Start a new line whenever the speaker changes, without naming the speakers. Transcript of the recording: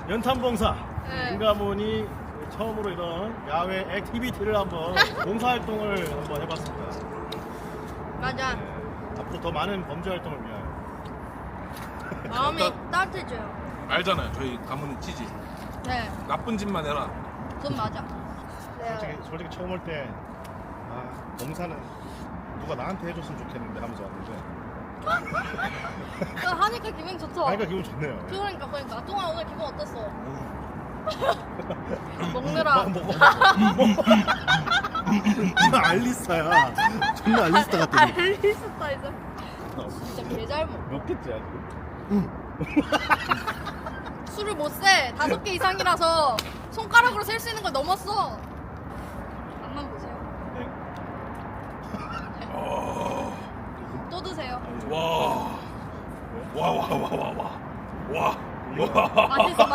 연탄봉사
네.
인가문이 처음으로 이런 야외 액티비티를 한번 봉사활동을 한번 해봤습니다.
맞아.
네. 앞으로 더 많은 범죄활동을 위하여.
마음이 따뜻해져요.
알잖아요. 저희 가문은 찌지.
네,
나쁜 짓만 해라.
그건 맞아.
솔직히 처음 올 때 봉사는 누가 나한테 해줬으면 좋겠는데 하면서 왔는데
하니까 기분 좋죠?
하니까 기분 좋네요.
그러니까. 동아 오늘 기분 어땠어? 먹느라.
존나 알리스타야. 존나 알리스타 같아.
알리스타 이제. 진짜 개잘 먹어.
몇 개째야 지금?
술을 못 세. 5개 이상이라서 손가락으로 셀 수 있는 걸 넘었어. 맛만 보세요.
네.
또 드세요.
와. 와.
맛있어.